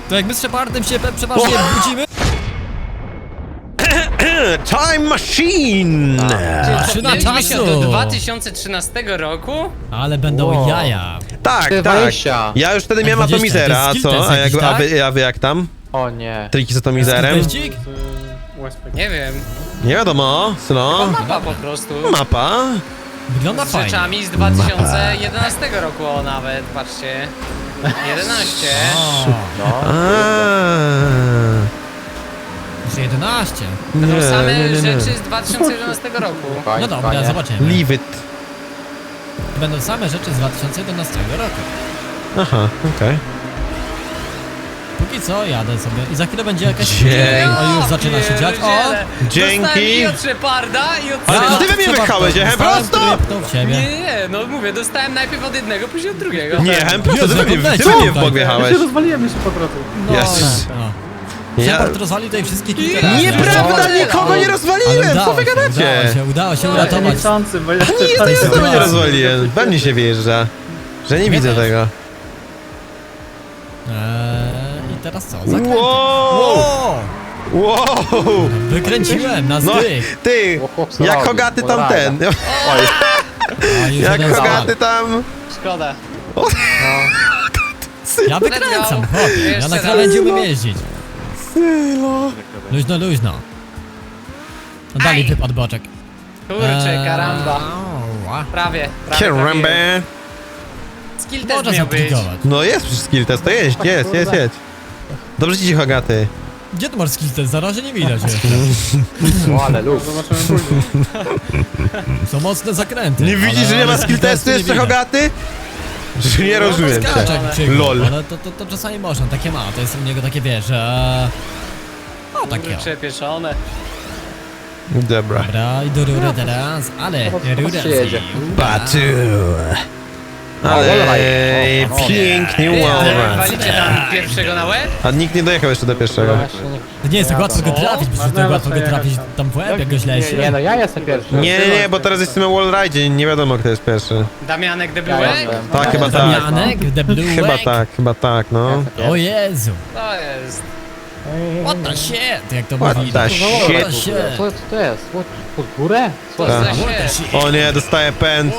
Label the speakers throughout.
Speaker 1: To jak my z Shepardem się przeważnie budzimy...
Speaker 2: Time Machine!
Speaker 1: Maszyna
Speaker 3: Mieliśmy się
Speaker 1: czasu!
Speaker 3: do 2013 roku?
Speaker 1: Ale będą jaja.
Speaker 2: Tak, tak.
Speaker 4: 20.
Speaker 2: Ja już wtedy miałem
Speaker 1: 20,
Speaker 2: atomizera,
Speaker 1: to
Speaker 2: a
Speaker 1: jest
Speaker 2: co?
Speaker 1: skill
Speaker 2: A,
Speaker 1: test
Speaker 2: jak,
Speaker 1: jakiś,
Speaker 2: a wy jak tam?
Speaker 4: O nie.
Speaker 2: Triki z atomizerem?
Speaker 1: Teścik?
Speaker 3: Nie wiem.
Speaker 2: Nie wiadomo, Sylo.
Speaker 3: Mapa po prostu.
Speaker 2: Mapa.
Speaker 1: Wygląda
Speaker 3: Z
Speaker 1: fajnie.
Speaker 3: rzeczami z 2011 roku, o nawet, patrzcie. 11.
Speaker 1: O,
Speaker 4: No.
Speaker 1: już 11.
Speaker 3: To są same
Speaker 2: nie.
Speaker 3: rzeczy z 2011 roku.
Speaker 1: No dobra,
Speaker 4: Fajnie.
Speaker 1: zobaczymy.
Speaker 2: Leave it.
Speaker 1: Będą same rzeczy z 2011 roku.
Speaker 2: Aha, okej.
Speaker 1: Póki co jadę sobie i za chwilę będzie jakaś...
Speaker 2: Dzięki.
Speaker 1: O, już zaczyna się dziać. O!
Speaker 3: pierdziele.
Speaker 2: Dzięki.
Speaker 3: Dostałem i od Sheparda, i od...
Speaker 2: Ale
Speaker 3: Syla.
Speaker 2: ty we mnie
Speaker 1: Shepard,
Speaker 2: wypchałeś,
Speaker 1: dostałem,
Speaker 2: prosto?
Speaker 1: który pchnął w ciebie.
Speaker 3: Nie, no mówię, dostałem najpierw od jednego, później od drugiego.
Speaker 2: Nie, prosto,
Speaker 1: Jezu,
Speaker 2: ty we mnie,
Speaker 1: jak
Speaker 2: ty
Speaker 1: leci
Speaker 2: we mnie w
Speaker 1: tutaj.
Speaker 2: bok wjechałeś.
Speaker 5: rozwaliłem jeszcze po drodze.
Speaker 1: No,
Speaker 2: Jezus.
Speaker 1: no.
Speaker 2: Ja...
Speaker 1: Shepard rozwalił tutaj wszystkich kilka razy.
Speaker 2: Nieprawda,
Speaker 3: Nie,
Speaker 2: nikogo nie
Speaker 1: Ale
Speaker 2: rozwaliłem, co wy gadacie?
Speaker 1: udało się
Speaker 5: Ja
Speaker 1: uratować.
Speaker 5: niechcący, bo ja
Speaker 2: Nie, ja znowu nie rozwaliłem. We mnie się wjeżdża. Że nie widzę
Speaker 1: też.
Speaker 2: tego.
Speaker 1: I teraz co? Zakręty.
Speaker 2: Wow!
Speaker 1: Wow!
Speaker 2: Wow!
Speaker 1: Wykręciłem na
Speaker 2: No,
Speaker 1: styk.
Speaker 2: ty,
Speaker 4: O, chłop
Speaker 2: jak
Speaker 4: zrobił,
Speaker 2: Hogaty
Speaker 4: o,
Speaker 2: tamten.
Speaker 1: A, już
Speaker 2: Jak
Speaker 1: jeden
Speaker 2: Hogaty
Speaker 1: spadł.
Speaker 2: tam.
Speaker 3: Szkoda.
Speaker 1: Ja wykręcam,
Speaker 3: Let's go.
Speaker 1: chłopie. Ja
Speaker 3: Jeszcze
Speaker 1: na
Speaker 3: raz.
Speaker 1: krawędzi umiem jeździć.
Speaker 2: Sylo.
Speaker 1: Luźno, luźno. No dalej wypadł boczek.
Speaker 3: Kurczę, karamba.
Speaker 1: Ała.
Speaker 3: Prawie.
Speaker 2: Kierambę.
Speaker 3: Skill test
Speaker 1: Można
Speaker 3: miał być.
Speaker 1: zaplikować.
Speaker 2: No jest przecież skill test, to jedź. Dobrze ci Hogaty.
Speaker 1: Gdzie ty masz skill test? Na razie nie widać jeszcze.
Speaker 4: O, ale luz.
Speaker 5: Zobaczymy później.
Speaker 1: Są mocne zakręty.
Speaker 2: Nie widzisz, że nie ma skill testu jeszcze Hogaty? Że nie rozumiem cię. LOL.
Speaker 1: Ale to czasami można, takie ma. To jest u niego takie, wiesz, że... O, takie o.
Speaker 3: Kurczę, pieszone.
Speaker 2: Dobra.
Speaker 1: Dobra, i do rury teraz, ale rura
Speaker 4: się jedzie.
Speaker 2: Batu.
Speaker 4: wallride.
Speaker 2: Ale
Speaker 4: O,
Speaker 2: pięknie
Speaker 3: Ty,
Speaker 2: wallride.
Speaker 3: walicie tam pierwszego na łeb?
Speaker 2: A nikt nie dojechał jeszcze do pierwszego.
Speaker 4: Właśnie nie-
Speaker 1: To nie jest tak łatwo go trafić, bo to tak łatwo go trafić tam w łeb, jak go źle się.
Speaker 4: Nie no, ja jestem pierwszy.
Speaker 2: Nie, bo teraz jesteśmy na wallride, nie wiadomo kto jest pierwszy.
Speaker 3: Damianek
Speaker 4: Ja
Speaker 3: Deblułek?
Speaker 4: jestem.
Speaker 2: Tak, chyba tak.
Speaker 1: Damianek, The Blue
Speaker 2: Chyba tak, no.
Speaker 1: O Jezu,
Speaker 3: To jest.
Speaker 1: what the shit, jak to
Speaker 2: What
Speaker 1: mówi.
Speaker 2: the
Speaker 1: What the
Speaker 2: shit.
Speaker 1: shit.
Speaker 4: Co to jest? Pod górę? Co
Speaker 3: To
Speaker 4: to
Speaker 3: za
Speaker 2: Tak.
Speaker 3: się.
Speaker 2: O nie, dostaję pęd.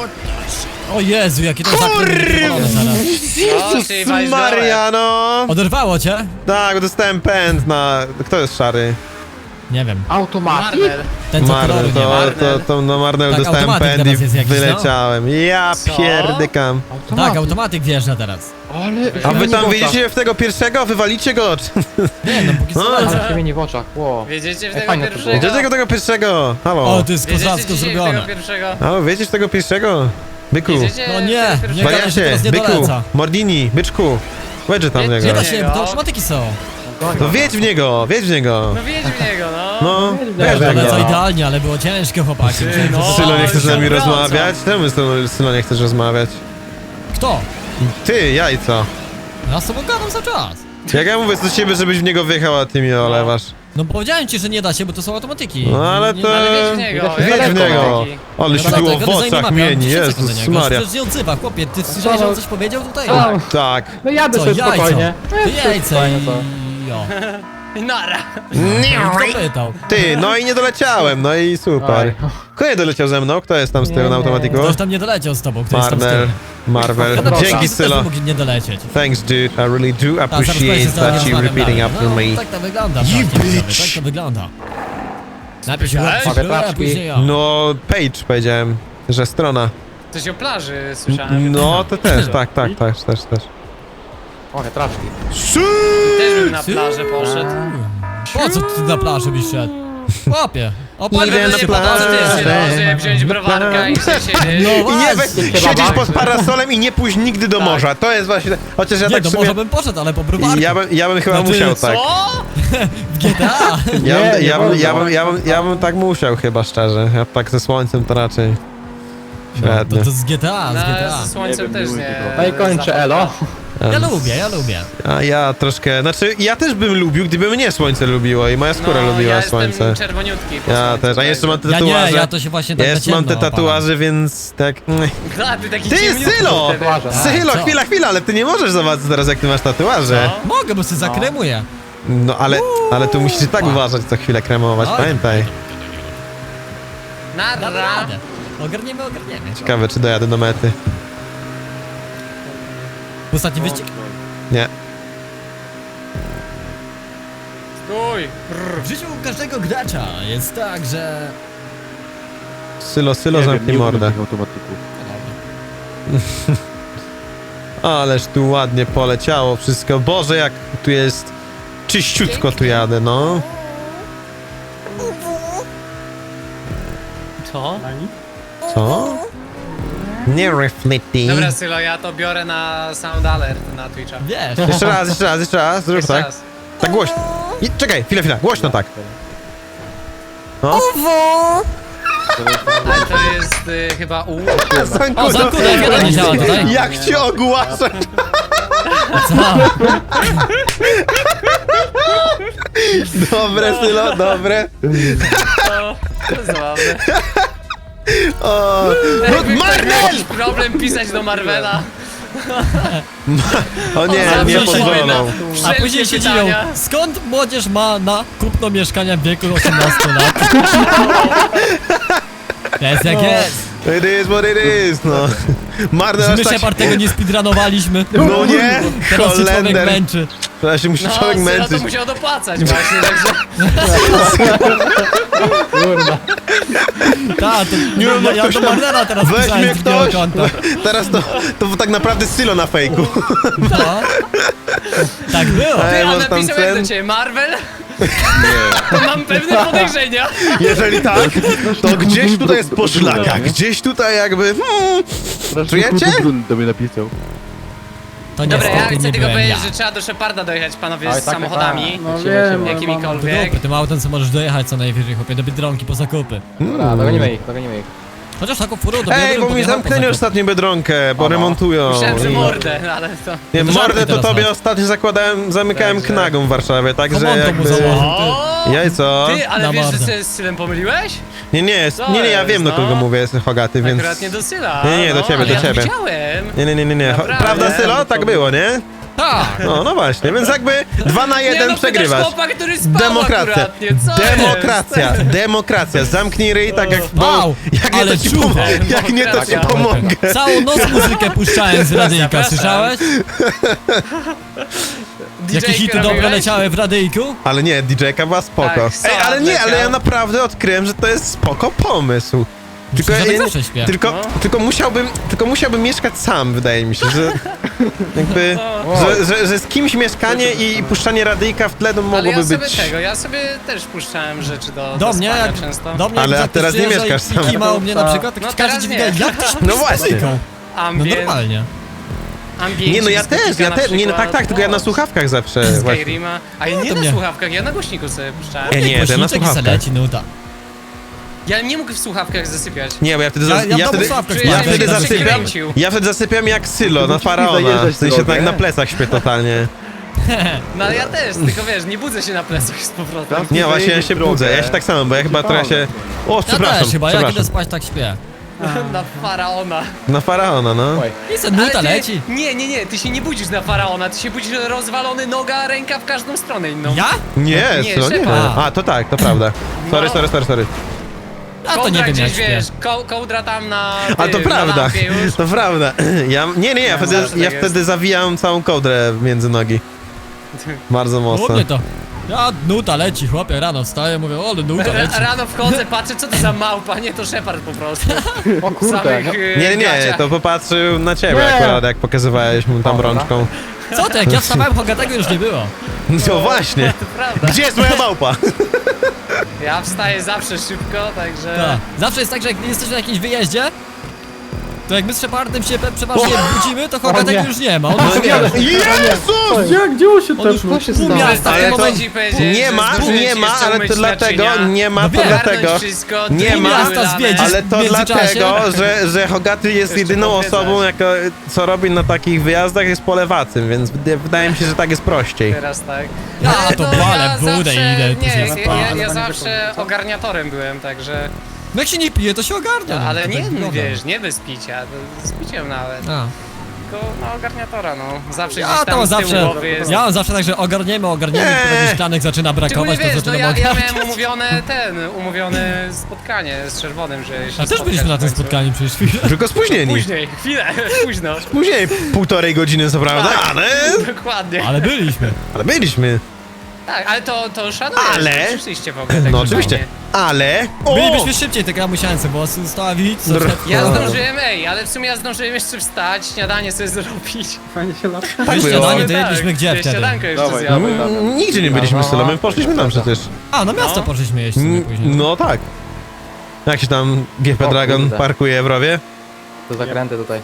Speaker 1: O Jezu, jakie to zakręty wypalone zaraz.
Speaker 3: O, czyli walić na łeb.
Speaker 2: Maria, no.
Speaker 1: Oderwało cię?
Speaker 2: Tak, dostałem pęd na... Kto jest szary?
Speaker 1: Nie wiem,
Speaker 4: Automatik?
Speaker 3: Marnel.
Speaker 1: ten co koloru
Speaker 2: Marnel,
Speaker 1: nie ma.
Speaker 2: to na Marnel
Speaker 1: Tak,
Speaker 2: dostałem
Speaker 1: automatyk
Speaker 2: pęd i
Speaker 1: teraz jest jakiś, no?
Speaker 2: wyleciałem. Ja
Speaker 3: Co?
Speaker 2: pierdykam.
Speaker 1: Tak, automatyk wjeżdża teraz.
Speaker 4: Ale...
Speaker 2: A wy tam
Speaker 4: w oczach.
Speaker 2: wyjdziecie w tego pierwszego? Wywalicie go?
Speaker 1: Nie no, póki co
Speaker 2: No,
Speaker 1: lecę.
Speaker 4: Ale się w oczach, wow.
Speaker 3: Wiedziecie w
Speaker 4: Ej,
Speaker 3: tego
Speaker 4: fajne to
Speaker 3: pierwszego?
Speaker 2: Gdzie tego pierwszego? Halo?
Speaker 1: O, to jest
Speaker 3: Wiedziecie
Speaker 1: kozacko
Speaker 3: dzisiaj w tego
Speaker 1: zrobione.
Speaker 3: pierwszego?
Speaker 2: Halo, wiecie z tego pierwszego? Byku.
Speaker 3: Wiedziecie
Speaker 1: No
Speaker 3: w
Speaker 1: nie,
Speaker 3: tego
Speaker 1: nie
Speaker 3: pierwszego?
Speaker 1: gadaj, że
Speaker 2: Wariacie,
Speaker 1: teraz nie
Speaker 2: byku,
Speaker 1: doleca.
Speaker 2: Mordini, byczku. Wedźże tam w
Speaker 3: Nie
Speaker 1: Nie
Speaker 2: niego.
Speaker 1: da się, to automatyki są.
Speaker 2: To wiedź w niego, wiedź w niego.
Speaker 3: No wiedź w niego, no.
Speaker 2: No, wiedz w
Speaker 1: Ale co
Speaker 2: niego.
Speaker 1: idealnie, ale było ciężko, chłopaki. Myślałem, że
Speaker 3: no.
Speaker 1: to-
Speaker 2: Sylo, nie chcesz z nami
Speaker 3: Wracam.
Speaker 2: rozmawiać? Czemu Sylo nie chcesz rozmawiać?
Speaker 1: Kto?
Speaker 2: Ty, jajco.
Speaker 1: Ja z tobą gadam cały czas.
Speaker 2: Jak ja mówię do ciebie, żebyś w niego wjechał, a ty mnie olewasz.
Speaker 1: No powiedziałem ci, że nie da się, bo to są automatyki.
Speaker 2: No ale
Speaker 1: Nie-
Speaker 2: to...
Speaker 3: Ale wiedź w niego.
Speaker 4: Wiedź
Speaker 2: Wiedź w niego. Ale
Speaker 1: No
Speaker 2: się
Speaker 1: dlatego,
Speaker 2: było w
Speaker 1: ale zanim
Speaker 2: oczach
Speaker 1: mam,
Speaker 2: mieni,
Speaker 1: 10 sekund do
Speaker 2: Jezus
Speaker 1: niego.
Speaker 2: Maria.
Speaker 1: Przecież nie odzywa, chłopie, ty słyszałeś, że on coś powiedział tutaj?
Speaker 2: Tak.
Speaker 4: No jadę
Speaker 1: Co,
Speaker 4: sobie
Speaker 1: jajco?
Speaker 4: spokojnie.
Speaker 1: To jajce
Speaker 4: Fajne
Speaker 1: i...
Speaker 4: to.
Speaker 1: Jo.
Speaker 3: Nara.
Speaker 1: Kto pytał?
Speaker 2: Ty, no i nie doleciałem, no i super.
Speaker 4: Oj.
Speaker 2: Kto nie doleciał ze mną? Kto jest tam z tyłu
Speaker 4: Nie,
Speaker 2: na
Speaker 4: nie.
Speaker 2: automatiku?
Speaker 1: Ktoś tam nie doleciał z tobą, ktoś tam z
Speaker 2: Marvel,
Speaker 1: tyłu.
Speaker 2: Marvel.
Speaker 1: Ja tam
Speaker 2: Dzięki
Speaker 1: też
Speaker 2: Sylo.
Speaker 1: mógł nie dolecieć.
Speaker 2: Thanks dude, I really do
Speaker 1: Tak, zaraz
Speaker 2: appreciate
Speaker 1: powiedzmy,
Speaker 2: that you
Speaker 1: rozmawiam
Speaker 2: repeating
Speaker 1: dalej.
Speaker 2: after
Speaker 1: No,
Speaker 2: me.
Speaker 1: tak to wygląda,
Speaker 2: You
Speaker 1: tak, widzowie,
Speaker 2: bitch.
Speaker 1: tak to wygląda. Najpierw się
Speaker 3: Słyszałeś?
Speaker 1: łapcie, a
Speaker 4: Paczki.
Speaker 1: później ja.
Speaker 2: No, page powiedziałem, że strona.
Speaker 3: Coś o plaży słyszałem.
Speaker 2: No, to też, tak, też.
Speaker 4: O, traczki.
Speaker 3: Też bym na plażę poszedł.
Speaker 1: Po co ty na plaży byś szedł? Łapie. O, pan
Speaker 2: Idę
Speaker 1: by
Speaker 2: na
Speaker 1: się
Speaker 2: plażę.
Speaker 1: podał, że ty jest.
Speaker 3: Może wziąć browarka i się siedzieć.
Speaker 1: No
Speaker 2: I nie
Speaker 1: właśnie.
Speaker 2: siedzieć pod parasolem i nie pójść nigdy do
Speaker 3: Tak.
Speaker 2: morza. To jest właśnie, chociaż ja
Speaker 1: Nie,
Speaker 2: tak
Speaker 1: to
Speaker 2: w
Speaker 1: może
Speaker 2: sumie...
Speaker 1: bym poszedł, ale po browarku.
Speaker 2: Ja bym chyba
Speaker 1: Znaczy,
Speaker 2: musiał tak.
Speaker 3: Co?
Speaker 1: W GTA.
Speaker 2: Ja bym tak musiał chyba, szczerze. Ja tak ze słońcem to raczej...
Speaker 1: No,
Speaker 2: Średnio.
Speaker 1: to z GTA, z
Speaker 3: No,
Speaker 1: GTA.
Speaker 3: ze słońcem też nie.
Speaker 4: No i kończę, elo.
Speaker 1: Ja lubię, ja lubię.
Speaker 2: A ja troszkę, znaczy ja też bym lubił, gdyby mnie słońce lubiło i moja skóra lubiła
Speaker 3: ja
Speaker 2: słońce.
Speaker 3: jestem czerwoniutki po
Speaker 2: Ja
Speaker 3: słońcu,
Speaker 2: też, a jeszcze mam te
Speaker 1: Ja
Speaker 2: tatuaże.
Speaker 1: nie, ja to się właśnie tak
Speaker 2: Ja
Speaker 1: na
Speaker 2: jeszcze mam te
Speaker 1: ciemno
Speaker 2: tatuaże, więc tak...
Speaker 3: A, ty taki
Speaker 2: Ty,
Speaker 3: ciemniutki
Speaker 2: Sylo!
Speaker 3: wtedy.
Speaker 4: Tatuaże.
Speaker 2: Sylo,
Speaker 1: co?
Speaker 2: chwila, ale ty nie możesz zobaczyć teraz, jak ty masz tatuaże.
Speaker 3: Co?
Speaker 1: Mogę, bo sobie zakremuję.
Speaker 2: No ale tu musisz i tak uważać, co chwilę kremować,
Speaker 1: Oj.
Speaker 2: pamiętaj.
Speaker 1: Damy
Speaker 3: Nara.
Speaker 1: radę. Ogarniemy.
Speaker 2: Ciekawe, czy dojadę do mety.
Speaker 1: Ostatni wyścig?
Speaker 2: Nie.
Speaker 3: Stój.
Speaker 1: W życiu każdego gracza jest tak, że...
Speaker 2: Sylo, zamknij mordę.
Speaker 4: automatyków.
Speaker 2: Ależ tu ładnie poleciało wszystko. Boże, jak tu jest czyściutko tu jadę, no.
Speaker 3: Co?
Speaker 2: Co? Nie reflecting.
Speaker 3: Dobra, Sylo, ja to biorę na Sound Alert na Twitcha.
Speaker 1: Wiesz,
Speaker 2: Jeszcze raz, zrób
Speaker 3: Jeszcze
Speaker 2: tak.
Speaker 3: raz.
Speaker 2: Tak głośno. Czekaj, chwilę, głośno tak. No.
Speaker 3: Ale to jest chyba U.
Speaker 1: O, Zankuda, jak nie działa tutaj.
Speaker 2: Jak cię ogłaszać?
Speaker 1: Co?
Speaker 2: Dobre, Sylo, dobre.
Speaker 3: To zabawne.
Speaker 2: O,
Speaker 3: Jakby ktoś
Speaker 2: Marvel!
Speaker 3: miał jakiś problem pisać do Marvela.
Speaker 2: O nie,
Speaker 3: Zawsze
Speaker 2: nie
Speaker 3: się
Speaker 2: pozwolą.
Speaker 3: na
Speaker 1: A
Speaker 3: wszelkie
Speaker 1: później się dziwią,
Speaker 3: pytania.
Speaker 1: skąd młodzież ma na kupno mieszkania w wieku 18 lat? Jest jak jest.
Speaker 2: It is what it is, no. Marne
Speaker 1: My
Speaker 2: aż tak...
Speaker 1: Shepard tego nie speedrunowaliśmy.
Speaker 2: No nie,
Speaker 1: Teraz się człowiek
Speaker 2: Holender.
Speaker 1: męczy.
Speaker 2: Teraz się musi
Speaker 3: No,
Speaker 2: człowiek
Speaker 3: Sylo to
Speaker 2: męczyć.
Speaker 3: musiał dopłacać właśnie, także...
Speaker 4: Kurwa.
Speaker 1: Tak, to
Speaker 2: Nie, no
Speaker 1: ja
Speaker 2: ktoś
Speaker 1: do
Speaker 2: tam-
Speaker 1: Marnera teraz
Speaker 2: Weź
Speaker 1: pisałem
Speaker 2: mnie
Speaker 1: z drugiego
Speaker 2: ktoś!
Speaker 1: konta.
Speaker 2: Teraz to tak naprawdę Sylo na fejku.
Speaker 1: No. Tak było.
Speaker 2: Ej,
Speaker 3: Ty, a
Speaker 2: masz tam
Speaker 3: napisał jak
Speaker 2: cen?
Speaker 3: do ciebie, Marvel? To mam pewne podejrzenia.
Speaker 2: Jeżeli tak, to gdzieś tutaj jest poszlaka. Gdzieś tutaj jakby... Czujecie?
Speaker 4: do mnie napisał.
Speaker 1: To
Speaker 3: Dobra, ja
Speaker 1: niestety
Speaker 3: chcę
Speaker 1: nie
Speaker 3: tylko
Speaker 1: byłem
Speaker 3: powiedzieć,
Speaker 1: ja.
Speaker 3: że trzeba do Sheparda dojechać, panowie,
Speaker 4: Oj,
Speaker 3: z
Speaker 4: tak,
Speaker 3: samochodami.
Speaker 4: No wiem,
Speaker 3: Jakimikolwiek.
Speaker 1: Dupy, tym autem co możesz dojechać co najwyżej, chłopie, do Biedronki po zakupy.
Speaker 4: Dobra, dogonimy ich.
Speaker 1: Chociaż taką furą do
Speaker 2: Ej,
Speaker 1: Biedronki
Speaker 2: bo mi
Speaker 1: podjechał po
Speaker 2: zamknęli
Speaker 1: zakupy.
Speaker 2: ostatnio Biedronkę, bo
Speaker 4: Aha.
Speaker 2: remontują.
Speaker 3: Myślałem, że
Speaker 2: I-
Speaker 3: mordę, no ale to...
Speaker 2: Nie,
Speaker 1: No to
Speaker 2: mordę to
Speaker 1: żarty
Speaker 2: tobie
Speaker 1: teraz
Speaker 2: ostatnio zamykałem
Speaker 3: Także-
Speaker 2: knagą w Warszawie, także
Speaker 1: Komonto mu
Speaker 2: jakby...
Speaker 1: założył.
Speaker 3: O!
Speaker 2: Jajco.
Speaker 3: Ty, ale
Speaker 1: Na
Speaker 3: wiesz, że
Speaker 1: mordę.
Speaker 3: się z Sylem pomyliłeś?
Speaker 2: Nie, ja
Speaker 3: jest,
Speaker 2: wiem do kogo
Speaker 3: no.
Speaker 2: mówię, jestem Hogaty, więc...
Speaker 3: Akurat nie do Syla.
Speaker 2: Nie, do ciebie,
Speaker 3: ale
Speaker 2: do
Speaker 3: ja
Speaker 2: ciebie.
Speaker 3: to widziałem.
Speaker 2: Nie.
Speaker 3: Naprawdę?
Speaker 2: Prawda, Sylo? Tak było, nie?
Speaker 1: Tak.
Speaker 2: No właśnie, więc jakby 2 na 1
Speaker 3: nie, no,
Speaker 2: przegrywasz.
Speaker 3: Chłopa, który spał
Speaker 2: Demokracja.
Speaker 3: akurat, nie? Co
Speaker 2: Demokracja. Zamknij ryj tak jak...
Speaker 1: Wow,
Speaker 2: jak nie,
Speaker 1: ale
Speaker 2: to ci
Speaker 1: czuwa.
Speaker 2: pomogę. Jak nie, to ci
Speaker 3: Demokracja.
Speaker 2: pomogę.
Speaker 1: Całą noc muzykę puszczałem z radyjka,
Speaker 3: Proszę.
Speaker 1: słyszałeś? Jakie hity dobre
Speaker 3: robiłeś?
Speaker 1: leciały w radyjku?
Speaker 2: Ale nie, DJ-ka była spoko.
Speaker 3: Tak,
Speaker 2: Ej, ale
Speaker 3: Sound
Speaker 2: nie, ale ja
Speaker 3: leciał.
Speaker 2: naprawdę odkryłem, że to jest spoko pomysł. Tylko,
Speaker 1: Przecież ja
Speaker 2: ja
Speaker 1: tak
Speaker 2: nie-
Speaker 1: zawsze śpię.
Speaker 2: tylko musiałbym mieszkać sam, wydaje mi się, że jakby, że z kimś mieszkanie i puszczanie radyjka w tle to
Speaker 3: Ale
Speaker 2: mogłoby
Speaker 3: ja sobie
Speaker 2: być...
Speaker 3: ja sobie też puszczałem rzeczy
Speaker 1: Do
Speaker 3: do
Speaker 1: mnie,
Speaker 3: spania
Speaker 1: jak
Speaker 3: często.
Speaker 1: do mnie,
Speaker 2: Ale
Speaker 1: jak
Speaker 2: a teraz nie
Speaker 1: przyjeżdża
Speaker 2: mieszkasz
Speaker 1: i
Speaker 2: sam.
Speaker 1: kima u mnie na przykład, to
Speaker 3: No
Speaker 1: każdy
Speaker 3: teraz
Speaker 1: ci
Speaker 3: nie.
Speaker 1: wydaje, jak ty śpisz
Speaker 2: No
Speaker 1: z
Speaker 2: właśnie.
Speaker 1: muzyką? No
Speaker 3: Ambient,
Speaker 1: normalnie.
Speaker 3: ambient
Speaker 2: Nie, no ja też, nie, no tak, tylko ja na słuchawkach zawsze właśnie.
Speaker 3: Skyrima. A ja nie
Speaker 1: to
Speaker 3: na
Speaker 1: mnie.
Speaker 3: słuchawkach, ja na głośniku sobie puszczałem.
Speaker 2: Nie, to ja na
Speaker 1: Głośniczek i se
Speaker 2: słuchawkach.
Speaker 1: leci nuta.
Speaker 3: Ja nie mógł w słuchawkach zasypiać.
Speaker 2: Nie, bo ja wtedy,
Speaker 1: Ja w domu
Speaker 2: wtedy,
Speaker 1: słuchawkach
Speaker 3: Czuję,
Speaker 2: ja
Speaker 3: że
Speaker 2: wtedy
Speaker 3: się
Speaker 2: zasypiam,
Speaker 3: przekręcił.
Speaker 2: ja wtedy zasypiam jak Sylo na faraona,
Speaker 4: zajeżdżać
Speaker 2: w sensie
Speaker 4: drogę.
Speaker 2: tak na plecach śpię totalnie.
Speaker 3: No ale ja też, tylko wiesz, nie budzę się na plecach z powrotem.
Speaker 2: Nie, właśnie ja się budzę, ja się tak samo, bo ja chyba trochę się... O,
Speaker 1: Ja
Speaker 2: przepraszam,
Speaker 1: też chyba, jak idę
Speaker 2: przepraszam.
Speaker 1: spać tak śpię.
Speaker 3: Na faraona.
Speaker 2: Na faraona, no.
Speaker 4: Oj.
Speaker 1: I se
Speaker 3: Ale
Speaker 1: nuta
Speaker 3: ty,
Speaker 1: leci.
Speaker 3: nie, ty się nie budzisz na faraona, ty się budzisz rozwalony noga, ręka w każdą stronę inną.
Speaker 1: Ja?
Speaker 2: Nie,
Speaker 3: Nie,
Speaker 2: Sylo, nie.
Speaker 3: Szepard.
Speaker 2: A, to tak, to prawda. Sorry.
Speaker 1: Ja to
Speaker 3: Kołdra
Speaker 1: nie wiem jak
Speaker 3: gdzieś,
Speaker 1: śpię.
Speaker 3: wiesz, kołdra tam na
Speaker 2: A to
Speaker 3: tym, na
Speaker 2: prawda,
Speaker 3: lampie już.
Speaker 2: to prawda. Ja wtedy,
Speaker 3: zawsze
Speaker 2: ja
Speaker 3: tak
Speaker 2: wtedy zawijam całą kołdrę między nogi. Bardzo
Speaker 1: U
Speaker 2: mocno.
Speaker 1: mnie to. Ja nuta leci, chłopie, rano wstaję, mówię, ale nuta leci.
Speaker 3: Rano wchodzę, patrzę, co to za małpa, nie, to Shepard po prostu.
Speaker 4: O kurde.
Speaker 3: Samych,
Speaker 2: Nie,
Speaker 3: gaciach.
Speaker 2: to popatrzył na ciebie
Speaker 4: Nie.
Speaker 2: akurat, jak pokazywałeś mu tam
Speaker 4: Dobra.
Speaker 2: rączką.
Speaker 1: Co ty, jak ja wstawałem, Hogatego już nie było.
Speaker 2: No właśnie.
Speaker 3: To prawda.
Speaker 2: Gdzie jest moja małpa?
Speaker 3: Ja wstaję zawsze szybko, także...
Speaker 1: Tak. Zawsze jest tak, że jak jesteś na jakimś wyjeździe To jak my z Shepardem się przeważnie budzimy, to
Speaker 4: O
Speaker 1: Hogatek
Speaker 4: nie.
Speaker 1: już nie ma. On
Speaker 2: No
Speaker 1: już
Speaker 2: nie. Jezus!
Speaker 5: Jak, gdzie on się
Speaker 1: On już
Speaker 5: tepnął?
Speaker 1: pół miasta w
Speaker 2: Ale
Speaker 1: tym
Speaker 2: to
Speaker 1: momencie.
Speaker 2: nie ma, ale to dlatego, nie ma,
Speaker 1: No
Speaker 2: to
Speaker 1: wiem.
Speaker 2: dlatego, nie
Speaker 1: Pół
Speaker 2: ma,
Speaker 1: miasta zwiedzisz
Speaker 2: ale
Speaker 1: w
Speaker 2: to
Speaker 1: międzyczasie.
Speaker 2: dlatego, że Hogaty jest
Speaker 3: Jeszcze
Speaker 2: jedyną
Speaker 3: podwiedzać.
Speaker 2: osobą, co robi na takich wyjazdach, jest polewacym, więc wydaje mi się, że tak jest prościej.
Speaker 3: Teraz tak.
Speaker 1: Ja
Speaker 3: Ale
Speaker 1: to
Speaker 3: no,
Speaker 1: walę w budę
Speaker 3: zawsze-
Speaker 1: idę, to
Speaker 3: Nie,
Speaker 1: się
Speaker 3: ja
Speaker 5: spala.
Speaker 3: zawsze ogarniatorem byłem, także...
Speaker 1: No jak się nie pije, to się ogarnia.
Speaker 3: No,
Speaker 1: no,
Speaker 3: ale
Speaker 1: to
Speaker 3: nie,
Speaker 1: tak wygląda.
Speaker 3: wiesz, nie bez picia, to z piciem nawet.
Speaker 1: A.
Speaker 3: Tylko na ogarniatora, no. Zawsze
Speaker 1: Ja
Speaker 3: gdzieś
Speaker 1: to
Speaker 3: tam
Speaker 1: mam
Speaker 3: z tyłu
Speaker 1: zawsze,
Speaker 3: głowy jest.
Speaker 1: ja mam zawsze tak, że ogarniemy,
Speaker 2: Nie.
Speaker 1: potem szklanek zaczyna
Speaker 3: Szczególnie
Speaker 1: brakować, to
Speaker 3: wiesz, no
Speaker 1: zaczynamy
Speaker 3: ja
Speaker 1: ogarniać.
Speaker 3: miałem umówione spotkanie z Czerwonym, że się
Speaker 1: A też
Speaker 3: spotkać
Speaker 1: byliśmy na
Speaker 3: w
Speaker 1: tym
Speaker 3: końcu.
Speaker 1: spotkaniu przecież chwilę.
Speaker 2: Tylko spóźnieni.
Speaker 3: Później, chwilę, późno.
Speaker 2: Później 1,5 godziny, co prawda,
Speaker 3: Tak.
Speaker 2: ale
Speaker 3: Dokładnie.
Speaker 1: Ale byliśmy.
Speaker 2: byliśmy.
Speaker 3: Tak, ale to szanuję,
Speaker 2: Ale-
Speaker 3: że przyszliście w ogóle tak
Speaker 2: No oczywiście,
Speaker 3: fajnie.
Speaker 2: ale... O!
Speaker 1: Bylibyśmy szybciej, tylko ja musiałem sobie włosy ustawić. co
Speaker 2: Dr-
Speaker 1: przed-
Speaker 3: Ja
Speaker 2: O.
Speaker 3: zdążyłem, ale w sumie ja zdążyłem jeszcze wstać, śniadanie sobie zrobić.
Speaker 5: Fajnie się lata.
Speaker 2: Tak było.
Speaker 1: śniadanie to
Speaker 3: Tak,
Speaker 1: jedliśmy gdzie wtedy?
Speaker 3: Śniadanko jeszcze
Speaker 4: Dawaj,
Speaker 3: zjadłem.
Speaker 4: dawaj.
Speaker 2: Nigdzie nie byliśmy z Sylą, my poszliśmy tam przecież.
Speaker 1: A, na miasto
Speaker 3: No.
Speaker 1: poszliśmy jeść sobie później.
Speaker 2: No tak. Jak się tam GP
Speaker 4: O
Speaker 2: Dragon
Speaker 4: kurde.
Speaker 2: parkuje w rowie?
Speaker 4: To zakręty tutaj.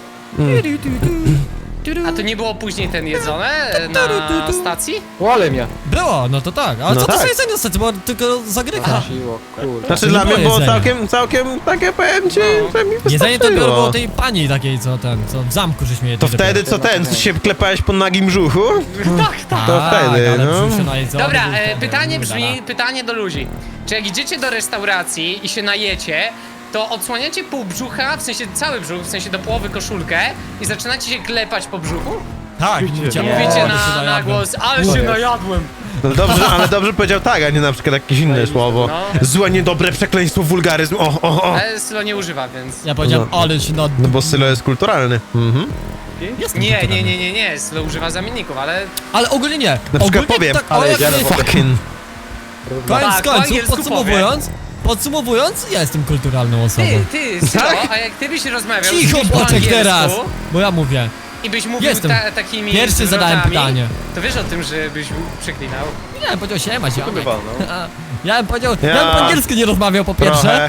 Speaker 3: A to nie było później ten jedzone na stacji?
Speaker 4: Łole mnie.
Speaker 1: Było, no to tak. Ale
Speaker 2: No
Speaker 1: co to
Speaker 2: tak.
Speaker 1: za jedzenie ostatnio? Było tylko zagryka.
Speaker 4: Siło, kurde.
Speaker 2: Znaczy
Speaker 1: nie
Speaker 2: dla
Speaker 1: było
Speaker 2: mnie było
Speaker 1: jedzenia.
Speaker 2: całkiem takie, powiem ci,
Speaker 3: No.
Speaker 2: że mi
Speaker 1: Jedzenie to było
Speaker 2: wystarczyło.
Speaker 1: tej pani takiej, co w zamku żeśmy jedli.
Speaker 2: To wtedy co się klepałeś po nagim brzuchu?
Speaker 3: Tak.
Speaker 2: to wtedy,
Speaker 1: ale
Speaker 2: no.
Speaker 1: brzusze najedzone
Speaker 3: Dobra,
Speaker 1: był wtedy.
Speaker 3: pytanie
Speaker 1: Udala.
Speaker 3: brzmi, pytanie do ludzi. Czy jak idziecie do restauracji i się najecie, to odsłaniacie pół brzucha, w sensie cały brzuch, w sensie do połowy koszulkę i zaczynacie się klepać po brzuchu?
Speaker 1: Tak, mówicie,
Speaker 3: Mówicie
Speaker 1: ale się
Speaker 3: na
Speaker 1: najadłem.
Speaker 3: głos, ale się najadłem.
Speaker 2: No dobrze, ale dobrze powiedział tak, a nie na przykład jakieś inne słowo.
Speaker 3: No.
Speaker 2: Złe, niedobre przekleństwo, wulgaryzm, o.
Speaker 3: Ale Sylo nie używa, więc...
Speaker 1: Ja powiedziałem, ale się nad...
Speaker 2: No bo Sylo jest kulturalny. Mhm.
Speaker 1: Jestem
Speaker 3: Nie,
Speaker 1: kulturalny.
Speaker 3: Sylo używa zamienników, ale...
Speaker 1: Ale ogólnie nie.
Speaker 2: Na przykład
Speaker 1: Ogólnie
Speaker 2: powiem,
Speaker 1: tak,
Speaker 4: ale
Speaker 1: o, jak
Speaker 4: jedziemy
Speaker 1: jest,
Speaker 4: po-
Speaker 2: Fucking.
Speaker 1: koniec
Speaker 3: Tak, po
Speaker 1: końców,
Speaker 3: angielsku
Speaker 1: podsumowując, ja jestem kulturalną osobą.
Speaker 3: Ty, Sylo,
Speaker 2: Tak?
Speaker 3: a jak ty byś rozmawiał
Speaker 1: Cicho,
Speaker 3: z kimś po
Speaker 1: Boczek,
Speaker 3: angielsku
Speaker 1: teraz! Bo ja mówię.
Speaker 3: i byś mówił
Speaker 1: Jestem.
Speaker 3: takimi
Speaker 1: Pierwszy zadałem
Speaker 3: zwrotami,
Speaker 1: pytanie.
Speaker 3: to wiesz o tym, że byś przeklinał?
Speaker 1: Ja bym powiedział siema, ziomek.
Speaker 4: Bywa, no.
Speaker 1: Ja bym powiedział,
Speaker 2: Ja-
Speaker 1: ja bym po angielsku nie rozmawiał po pierwsze.
Speaker 2: Trochę.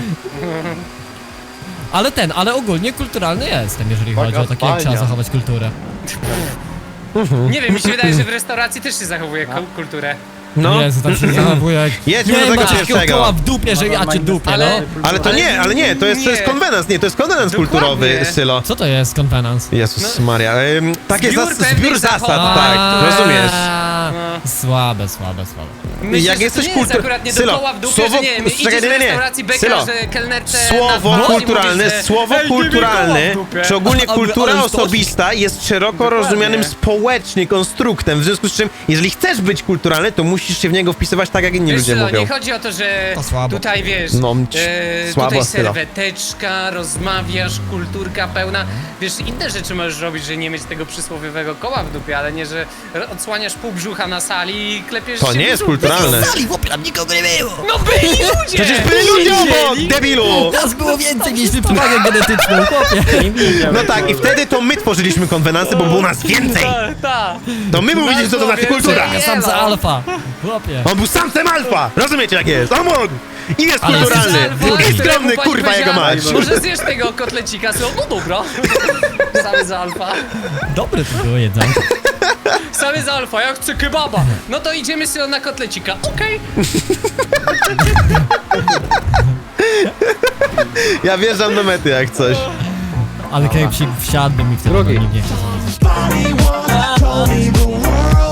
Speaker 1: Ale ogólnie kulturalny jestem, jeżeli chodzi o takie, jak trzeba
Speaker 4: Fajnie.
Speaker 1: zachować kulturę.
Speaker 3: Nie wiem, mi się wydaje, że w restauracji też się zachowuje kulturę.
Speaker 2: No.
Speaker 1: Jezu, tak się zachowuje jak...
Speaker 2: Jedźmy do
Speaker 1: Nie
Speaker 2: tego
Speaker 1: ma takiego
Speaker 2: pierwszego.
Speaker 1: koła w dupie, że ja cię dupię,
Speaker 3: Ale-
Speaker 1: no.
Speaker 2: Ale to nie, to jest
Speaker 3: Nie.
Speaker 2: konwenans, nie, to jest konwenans
Speaker 3: Dokładnie.
Speaker 2: kulturowy, Sylo.
Speaker 1: Co to jest konwenans?
Speaker 2: Jezus Maria, takie
Speaker 3: Zbiór pewnych
Speaker 2: zbiór zasad,
Speaker 3: zachowań.
Speaker 2: tak, rozumiesz.
Speaker 3: No.
Speaker 1: Słabe.
Speaker 3: Myślę,
Speaker 2: Jak
Speaker 3: że
Speaker 2: jesteś
Speaker 3: to nie jest
Speaker 2: kultur-
Speaker 3: akurat nie do
Speaker 2: Sylo,
Speaker 3: koła w dupie,
Speaker 2: słowo-
Speaker 3: że nie wiem,
Speaker 2: czekaj,
Speaker 3: idziesz do
Speaker 2: nie.
Speaker 3: restauracji beka,
Speaker 2: Sylo,
Speaker 3: że kelnerce
Speaker 2: Słowo
Speaker 3: na dwa i
Speaker 2: kulturalne,
Speaker 3: mówisz, że
Speaker 2: słowo
Speaker 3: "Ej, ty mi koła
Speaker 2: kulturalny,
Speaker 3: w dupie".
Speaker 2: czy ogólnie
Speaker 1: Ale
Speaker 2: kultura
Speaker 1: już to-
Speaker 2: osobista jest szeroko rozumianym społecznie konstruktem, w związku z czym, jeżeli chcesz być kulturalny, to musisz się w niego wpisywać tak, jak inni
Speaker 3: Wiesz,
Speaker 2: ludzie
Speaker 3: Sylo,
Speaker 2: mówią.
Speaker 3: nie chodzi o to, że
Speaker 1: To słabo.
Speaker 3: tutaj wiesz,
Speaker 2: No, słabo,
Speaker 3: tutaj
Speaker 2: Sylo.
Speaker 3: serweteczka, rozmawiasz, kulturka pełna. Wiesz, inne rzeczy możesz robić, że nie mieć tego przysłowiowego koła w dupie, ale nie, że odsłaniasz pół brzucha na sali i klepiesz
Speaker 2: To
Speaker 3: się
Speaker 2: nie
Speaker 3: w
Speaker 2: jest
Speaker 3: brzuch.
Speaker 2: kulturalne.
Speaker 1: Chłopie, tam nikogo nie było!
Speaker 3: No byli ludzie!
Speaker 2: Przecież byli ludzie obok, debilu!
Speaker 1: Nas było więcej, mieliśmy przewagę genetyczną, chłopie!
Speaker 2: No tak, i wtedy to my tworzyliśmy konwenansy, bo było nas więcej.
Speaker 3: Tak.
Speaker 2: To my mówiliśmy, co to znaczy
Speaker 3: więcej.
Speaker 2: kultura.
Speaker 3: Nie,
Speaker 1: Samca
Speaker 3: no.
Speaker 1: alfa, chłopie!
Speaker 2: On był samcem alfa! Rozumiecie jak jest? On mógł! I jest
Speaker 1: Ale
Speaker 2: kulturalny!
Speaker 3: Alfa,
Speaker 2: I
Speaker 3: któremu
Speaker 2: skromny,
Speaker 3: pani
Speaker 2: kurwa, jego
Speaker 3: powiedziała,
Speaker 2: mać!
Speaker 3: Może zjesz tego kotlecika, Sylo? No dobra. Samy za alfa.
Speaker 1: Dobre to było jedzenie.
Speaker 3: Samy za alfa, ja chcę kebaba. No to idziemy Sylo na kotlecika. Okej.
Speaker 2: Ja wjeżdżam do mety jak coś.
Speaker 1: Ale kepsik wsiadłby mi wtedy,
Speaker 4: Drugi.
Speaker 1: bo nikt nie chciał.
Speaker 6: Somebody once told me the world